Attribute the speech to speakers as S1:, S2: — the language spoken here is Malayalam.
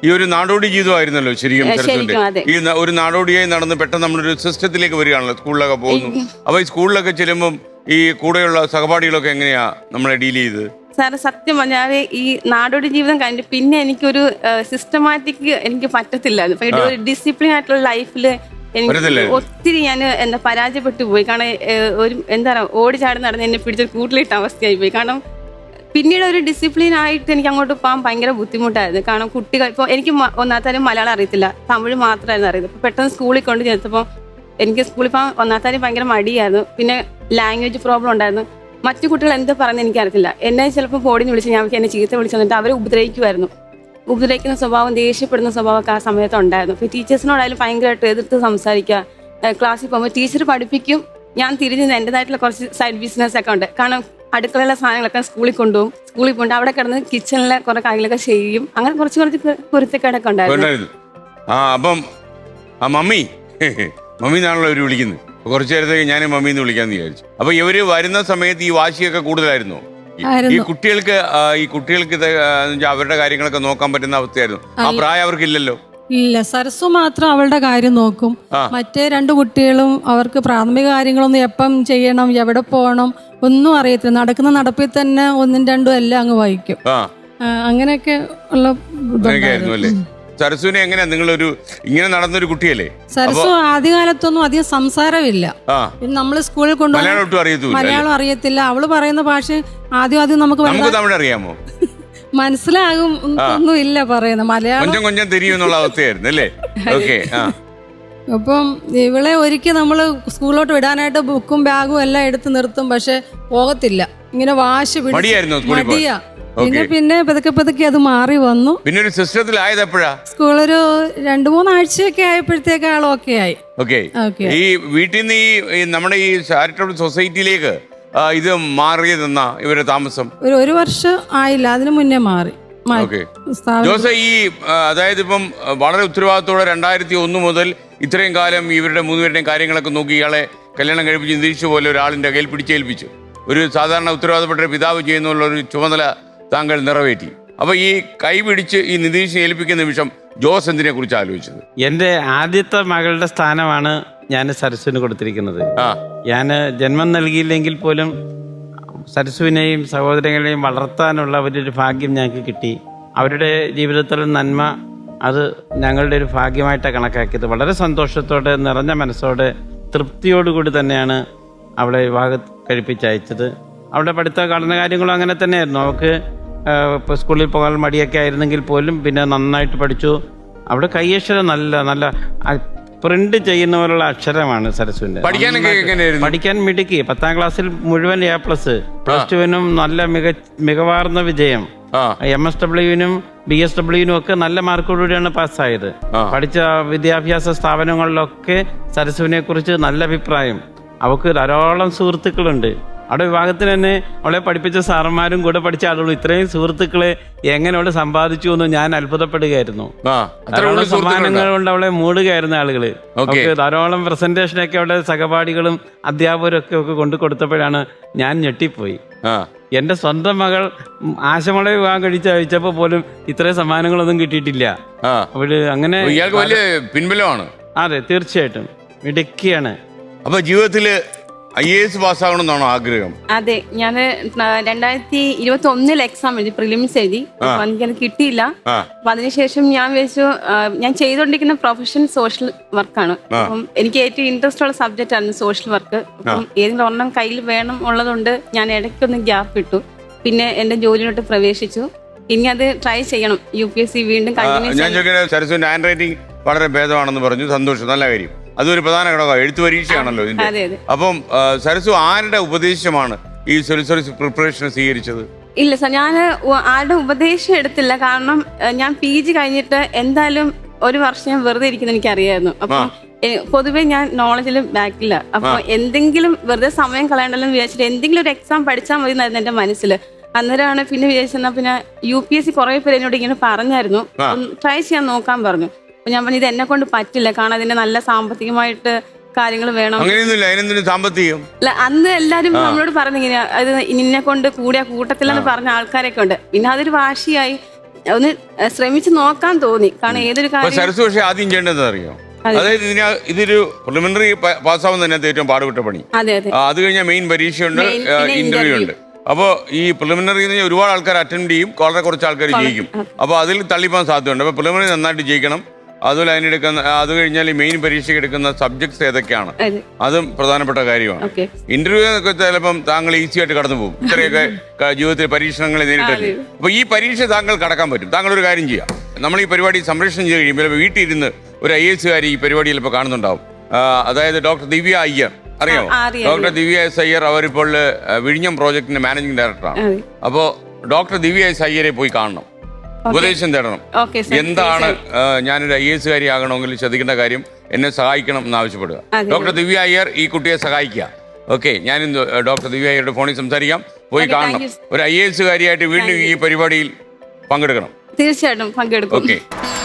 S1: ഈ ഒരു നാടോടി ജീവിതമായിരുന്നല്ലോ ശരിക്കും സരസ്വതി. ഈ ഒരു നാടോടിയായി നടന്ന് പെട്ടെന്ന് നമ്മളൊരു സിസ്റ്റത്തിലേക്ക് വരികയാണല്ലോ, സ്കൂളിലൊക്കെ പോകുന്നു. അപ്പൊ ഈ സ്കൂളിലൊക്കെ ചെല്ലുമ്പോൾ ഈ കൂടെയുള്ള സഹപാഠികളൊക്കെ എങ്ങനെയാ നമ്മളെ ഡീൽ ചെയ്ത്?
S2: സാറ് സത്യം പറഞ്ഞാൽ ഈ നാടോടി ജീവിതം കഴിഞ്ഞിട്ട് പിന്നെ എനിക്കൊരു സിസ്റ്റമാറ്റിക് എനിക്ക് പറ്റത്തില്ലായിരുന്നു. ഒരു ഡിസിപ്ലിൻ ആയിട്ടുള്ള ലൈഫില് എനിക്ക് ഒത്തിരി ഞാൻ എന്താ പരാജയപ്പെട്ടു പോയി. കാരണം ഒരു എന്താ പറയുക, ഓടി ചാടി നടന്ന് എന്നെ പിടിച്ചൊരു കൂട്ടിലിട്ട അവസ്ഥയായി പോയി. കാരണം പിന്നീട് ഒരു ഡിസിപ്ലിൻ ആയിട്ട് എനിക്ക് അങ്ങോട്ട് പോകാൻ ഭയങ്കര ബുദ്ധിമുട്ടായിരുന്നു. കാരണം കുട്ടികൾ ഇപ്പോൾ എനിക്ക് ഒന്നാമത്താലും മലയാളം അറിയത്തില്ല, തമിഴ് മാത്രമായിരുന്നു അറിയുന്നത്. അപ്പോൾ പെട്ടെന്ന് സ്കൂളിൽ കൊണ്ട് ചേർത്തപ്പോൾ എനിക്ക് സ്കൂളിൽ പോകാൻ ഒന്നാമത്താലും ഭയങ്കര മടിയായിരുന്നു. പിന്നെ ലാംഗ്വേജ് പ്രോബ്ലം ഉണ്ടായിരുന്നു. മറ്റു കുട്ടികൾ എന്ത് പറയുന്നത് എനിക്കറിയത്തില്ല. എന്നെ ചിലപ്പോൾ ബോർഡിന് വിളിച്ച് ഞാൻ എന്നെ ചീത്ത വിളിച്ചു വന്നിട്ട് അവരെ ഉപദ്രവിക്കുമായിരുന്നു. ഉപദ്രവിക്കുന്ന സ്വഭാവം, ദേഷ്യപ്പെടുന്ന സ്വഭാവമൊക്കെ ആ സമയത്ത് ഉണ്ടായിരുന്നു. അപ്പോൾ ടീച്ചേഴ്സിനോടായാലും ഭയങ്കരമായിട്ട് എതിർത്ത് സംസാരിക്കുക. ക്ലാസ്സിൽ പോകുമ്പോൾ ടീച്ചർ പഠിപ്പിക്കും, ഞാൻ തിരിഞ്ഞ് എൻ്റെതായിട്ടുള്ള കുറച്ച് സൈഡ് ബിസിനസ് ഒക്കെ ഉണ്ട്. കാരണം അടുക്കളയിലെ സാധനങ്ങളൊക്കെ സ്കൂളിൽ കൊണ്ടുപോകും. സ്കൂളിൽ പോയിട്ട് അവിടെ കിടന്ന് കിച്ചണിലെ കുറെ കാര്യങ്ങളൊക്കെ ചെയ്യും. അങ്ങനെ കുറച്ച് കുരുത്തക്കേടൊക്കെ ഉണ്ടായിരുന്നു.
S1: അപ്പം മമ്മി മമ്മി എന്നാണല്ലോ അവര് വിളിക്കുന്നത്. കുറച്ചു നേരത്തേക്ക് ഞാൻ മമ്മീന്ന് വിളിക്കാന്ന് വിചാരിച്ചു. അപ്പൊ ഇവര് വരുന്ന സമയത്ത് ഈ വാശിയൊക്കെ കൂടുതലായിരുന്നു. ഈ കുട്ടികൾക്ക് അവരുടെ കാര്യങ്ങളൊക്കെ നോക്കാൻ പറ്റുന്ന അവസ്ഥയായിരുന്നു. ആ പ്രായം അവർക്ക് ഇല്ലല്ലോ.
S3: ഇല്ല, സരസു മാത്രം അവളുടെ കാര്യം നോക്കും. മറ്റേ രണ്ട് കുട്ടികളും അവർക്ക് പ്രാഥമിക കാര്യങ്ങളൊന്നും എപ്പം ചെയ്യണം, എവിടെ പോകണം ഒന്നും അറിയത്തില്ല. നടക്കുന്ന നടപ്പിൽ തന്നെ ഒന്നും രണ്ടും എല്ലാം അങ്ങ് വായിക്കും. അങ്ങനെയൊക്കെ ഉള്ള
S1: അല്ലേ. സരസുവിനെ എങ്ങനെയാ നിങ്ങളൊരു ഇങ്ങനെ നടന്നൊരു കുട്ടിയല്ലേ?
S3: സരസു ആദ്യകാലത്തൊന്നും അധികം സംസാരമില്ല. നമ്മള് സ്കൂളിൽ കൊണ്ടുപോയി മലയാളം അറിയത്തില്ല. അവള് പറയുന്ന ഭാഷ ആദ്യം നമുക്ക്
S1: തമിഴ് അറിയാമോ?
S3: മനസ്സിലാകും ഒന്നും ഇല്ല പറയുന്നത് മലയാളം
S1: കൊഞ്ചം തിരിയുന്നുള്ള അവസ്ഥയായിരുന്നു അല്ലേ? ഓക്കെ.
S3: അപ്പം ഇവളെ ഒരിക്കൽ നമ്മള് സ്കൂളിലോട്ട് വിടാനായിട്ട് ബുക്കും ബാഗും എല്ലാം എടുത്ത് നിർത്തും. പക്ഷെ പോകത്തില്ല. ഇങ്ങനെ വാശി മടിയാ. പിന്നെ പതുക്കെ അത് മാറി വന്നു.
S1: പിന്നെ ഒരു സിസ്റ്റത്തിലായത് എപ്പോഴാ?
S3: സ്കൂളൊരു 2-3 ആഴ്ചയൊക്കെ ആയപ്പോഴത്തേക്ക് ആൾ ഓക്കെ ആയി.
S1: ഈ വീട്ടിൽ നിന്ന് ഈ നമ്മുടെ ഈ ചാരിറ്റബിൾ സൊസൈറ്റിയിലേക്ക് ഇത് മാറിയതെന്നാ ഇവരുടെ താമസം?
S3: ഒരു വർഷം ആയില്ല, അതിനു മുന്നേ മാറി.
S1: ജോസ, ഈ അതായത് ഇപ്പം വളരെ ഉത്തരവാദിത്തോടെ 2001 മുതൽ ഇത്രയും കാലം ഇവരുടെ 3 പേരുടെയും കാര്യങ്ങളൊക്കെ നോക്കി ഇയാളെ കല്യാണം കഴിപ്പിച്ച് നിതീഷ് പോലെ ഒരാളിന്റെ കയ്യിൽ പിടിച്ചേൽപ്പിച്ചു. ഒരു സാധാരണ ഉത്തരവാദപ്പെട്ട പിതാവ് ചെയ്യുന്നുള്ള ഒരു ചുമതല താങ്കൾ നിറവേറ്റി. അപ്പൊ ഈ കൈ പിടിച്ച് ഈ നിതീഷിനെ ഏൽപ്പിക്കുന്ന നിമിഷം ജോസ് എന്തിനെ കുറിച്ച് ആലോചിച്ചത്?
S4: എൻ്റെ ആദ്യത്തെ മകളുടെ സ്ഥാനമാണ് ഞാൻ സരസുവിന് കൊടുത്തിരിക്കുന്നത്. ഞാൻ ജന്മം നൽകിയില്ലെങ്കിൽ പോലും സരസുവിനെയും സഹോദരങ്ങളെയും വളർത്താനുള്ള ഒരു ഭാഗ്യം ഞങ്ങൾക്ക് കിട്ടി. അവരുടെ ജീവിതത്തിലെ നന്മ അത് ഞങ്ങളുടെ ഒരു ഭാഗ്യമായിട്ടാണ് കണക്കാക്കിയത്. വളരെ സന്തോഷത്തോടെ, നിറഞ്ഞ മനസ്സോടെ, തൃപ്തിയോടുകൂടി തന്നെയാണ് അവളെ വിവാഹം കഴിപ്പിച്ചയച്ചത്. അവളുടെ പഠിത്ത പഠന കാര്യങ്ങളും അങ്ങനെ തന്നെയായിരുന്നു. അവൾക്ക് ഇപ്പോൾ സ്കൂളിൽ പോകാൻ മടിയൊക്കെ ആയിരുന്നെങ്കിൽ പോലും പിന്നെ നന്നായിട്ട് പഠിച്ചു. അവിടെ കൈയക്ഷരം നല്ല പ്രിന്റ് ചെയ്യുന്ന പോലുള്ള അക്ഷരമാണ് സരസുവിന്റെ. പഠിക്കാൻ മിടുക്കി. 10ാം ക്ലാസ്സിൽ മുഴുവൻ A+, +2-നും നല്ല മികവാർന്ന വിജയം. MSWനും BSWനും ഒക്കെ നല്ല മാർക്കോടുകൂടിയാണ് പാസ്സായത്. പഠിച്ച വിദ്യാഭ്യാസ സ്ഥാപനങ്ങളിലൊക്കെ സരസുവിനെ കുറിച്ച് നല്ല അഭിപ്രായം. അവൾക്ക് ധാരാളം സുഹൃത്തുക്കളുണ്ട്. അവിടെ വിഭാഗത്തിന് തന്നെ അവളെ പഠിപ്പിച്ച സാറന്മാരും കൂടെ പഠിച്ച ആളുകളും ഇത്രയും സുഹൃത്തുക്കളെ എങ്ങനെ അവളെ സമ്പാദിച്ചു എന്ന് ഞാൻ അത്ഭുതപ്പെടുകയായിരുന്നു. ധാരാളം സമ്മാനങ്ങൾ കൊണ്ട് അവളെ മൂടുകയായിരുന്ന ആളുകള്. അവർക്ക് ധാരാളം പ്രസന്റേഷനൊക്കെ അവളുടെ സഹപാഠികളും അധ്യാപകരും ഒക്കെ കൊണ്ടു കൊടുത്തപ്പോഴാണ് ഞാൻ ഞെട്ടിപ്പോയി. എന്റെ സ്വന്തം മകൾ ആശമളെ വിവാഹം കഴിച്ചയച്ചപ്പോ പോലും ഇത്രയും സമ്മാനങ്ങളൊന്നും കിട്ടിയിട്ടില്ല. അവള് അങ്ങനെ
S1: പിൻബലമാണ്.
S4: അതെ, തീർച്ചയായിട്ടും മിടുക്കിയാണ്.
S1: അപ്പൊ ജീവിതത്തില് IAS പാസ്സാവണമെന്നാണോ ആഗ്രഹം?
S2: അതെ, ഞാൻ 2021 എക്സാം എഴുതി, പ്രിലിംസ് എഴുതി. അപ്പൊ എനിക്കത് കിട്ടിയില്ല. അപ്പൊ അതിനുശേഷം ഞാൻ വിചാരിച്ചു, ഞാൻ ചെയ്തുകൊണ്ടിരിക്കുന്ന പ്രൊഫഷൻ സോഷ്യൽ വർക്കാണ്. അപ്പം എനിക്ക് ഏറ്റവും ഇൻട്രസ്റ്റ് ഉള്ള സബ്ജക്റ്റ് ആണ് സോഷ്യൽ വർക്ക്. അപ്പം ഏതെങ്കിലും ഒരെണ്ണം കയ്യിൽ വേണം ഉള്ളതുകൊണ്ട് ഞാൻ ഇടയ്ക്കൊന്ന് ഗ്യാപ്പ് ഇട്ടു. പിന്നെ എന്റെ ജോലിയിലോട്ട് പ്രവേശിച്ചു. ഇനി അത് ട്രൈ ചെയ്യണം. UPSC വീണ്ടും
S1: സരസ്വതി ഹാൻഡ് റൈറ്റിംഗ് വളരെ ഭേദമാണെന്ന് പറഞ്ഞു. സന്തോഷം, നല്ല കാര്യം. അതൊരു പ്രധാന ഘടകം. എഴുത്തു പരീക്ഷയാണല്ലോ ഇതിന്റെ. അപ്പം സരസു ആരുടെ ഉപദേശമാണ് ഈ സിവിൽ പ്രിപ്പറേഷൻ സ്വീകരിച്ചത്?
S2: ഇല്ല സർ, ഞാൻ ആരുടെ ഉപദേശം എടുത്തില്ല. കാരണം ഞാൻ PG കഴിഞ്ഞിട്ട് എന്തായാലും ഒരു വർഷം ഞാൻ വെറുതെ ഇരിക്കുന്നത് എനിക്കറിയായിരുന്നു. അപ്പം പൊതുവെ ഞാൻ നോളജിൽ ബാക്കില്ല. അപ്പൊ എന്തെങ്കിലും വെറുതെ സമയം കളയണ്ടല്ലോ എന്ന് വിചാരിച്ചിട്ട് എന്തെങ്കിലും ഒരു എക്സാം പഠിച്ചാൽ മതി എന്നായിരുന്നു എന്റെ മനസ്സിൽ. അന്നേരമാണ് പിന്നെ വിചാരിച്ചെന്നാ പിന്നെ UPSC കുറെ പേര് എന്നോട് ഇങ്ങനെ പറഞ്ഞായിരുന്നു, ട്രൈ ചെയ്യാൻ നോക്കാൻ പറഞ്ഞു. അപ്പൊ ഞാൻ പറഞ്ഞു ഇത് എന്നെ കൊണ്ട് പറ്റില്ല, കാരണം അതിന്റെ നല്ല സാമ്പത്തികമായിട്ട് കാര്യങ്ങൾ വേണം. അല്ല, അന്ന് എല്ലാരും നമ്മളോട് പറഞ്ഞിങ്ങനെ അത് നിന്നെ കൊണ്ട് കൂടിയ കൂട്ടത്തിലെന്ന് പറഞ്ഞ ആൾക്കാരൊക്കെ ഉണ്ട്. പിന്നെ അതൊരു വാശിയായി. ഒന്ന് ശ്രമിച്ച് നോക്കാൻ തോന്നി. കാരണം ഏതൊരു കാര്യം
S1: സരസ് പക്ഷേ ആദ്യം ചെയ്യേണ്ടതെന്ന് അറിയോ, അതായത് ഇതൊരു പ്രിലിമിനറി പാസ്സാവുന്നതിനകത്ത് ഏറ്റവും പാടുപെട്ട പണി.
S2: അതെ അതെ.
S1: അത് കഴിഞ്ഞാൽ മെയിൻ പരീക്ഷയുണ്ട്, ഇന്റർവ്യൂ ഉണ്ട്. അപ്പോൾ ഈ പ്രിലിമിനറി ഒരുപാട് ആൾക്കാർ അറ്റൻഡ് ചെയ്യും, വളരെ കുറച്ച് ആൾക്കാർ ജയിക്കും. അപ്പോൾ അതിൽ തള്ളിപ്പോകാൻ സാധ്യതയുണ്ട്. അപ്പോൾ പ്രിലിമിനറി നന്നായിട്ട് ജയിക്കണം. അതുപോലെ അതിനെടുക്കുന്ന അത് കഴിഞ്ഞാൽ ഈ മെയിൻ പരീക്ഷയ്ക്ക് എടുക്കുന്ന സബ്ജക്ട്സ് ഏതൊക്കെയാണ് അതും പ്രധാനപ്പെട്ട കാര്യമാണ്. ഇന്റർവ്യൂ എന്നൊക്കെ ചിലപ്പം താങ്കൾ ഈസി ആയിട്ട് കടന്നു പോകും, ഇത്രയൊക്കെ ജീവിതത്തിൽ പരീക്ഷണങ്ങൾ നേരിട്ടല്ലേ. അപ്പൊ ഈ പരീക്ഷ താങ്കൾ കടക്കാൻ പറ്റും. താങ്കൾ ഒരു കാര്യം ചെയ്യാം, നമ്മൾ ഈ പരിപാടി സംപ്രേഷണം ചെയ്ത് കഴിയുമ്പോൾ വീട്ടിലിരുന്ന് ഒരു IAS കാരി ഈ പരിപാടിയിൽ ഇപ്പോൾ കാണുന്നുണ്ടാവും. അതായത് ഡോക്ടർ ദിവ്യ അയ്യർ, അറിയാമോ? ഡോക്ടർ ദിവ്യ എസ് അയ്യർ അവരിപ്പോൾ വിഴിഞ്ഞം പ്രോജക്ടിന്റെ മാനേജിംഗ് ഡയറക്ടറാണ്. അപ്പോൾ ഡോക്ടർ ദിവ്യ എസ് അയ്യരെ പോയി കാണണം, ഉപദേശം തേടണം. എന്താണ് ഞാനൊരു IAS കാരി ആകണമെങ്കിൽ ശ്രദ്ധിക്കേണ്ട കാര്യം, എന്നെ സഹായിക്കണം എന്ന് ആവശ്യപ്പെടുക. ഡോക്ടർ ദിവ്യ അയ്യർ ഈ കുട്ടിയെ സഹായിക്കുക. ഓക്കെ, ഞാൻ ഡോക്ടർ ദിവ്യ അയ്യരുടെ ഫോണിൽ സംസാരിക്കാം, പോയി കാണണം. ഒരു IAS കാരിയായിട്ട് വീണ്ടും ഈ പരിപാടിയിൽ പങ്കെടുക്കണം.
S2: തീർച്ചയായിട്ടും പങ്കെടുക്കും.
S1: ഓക്കെ.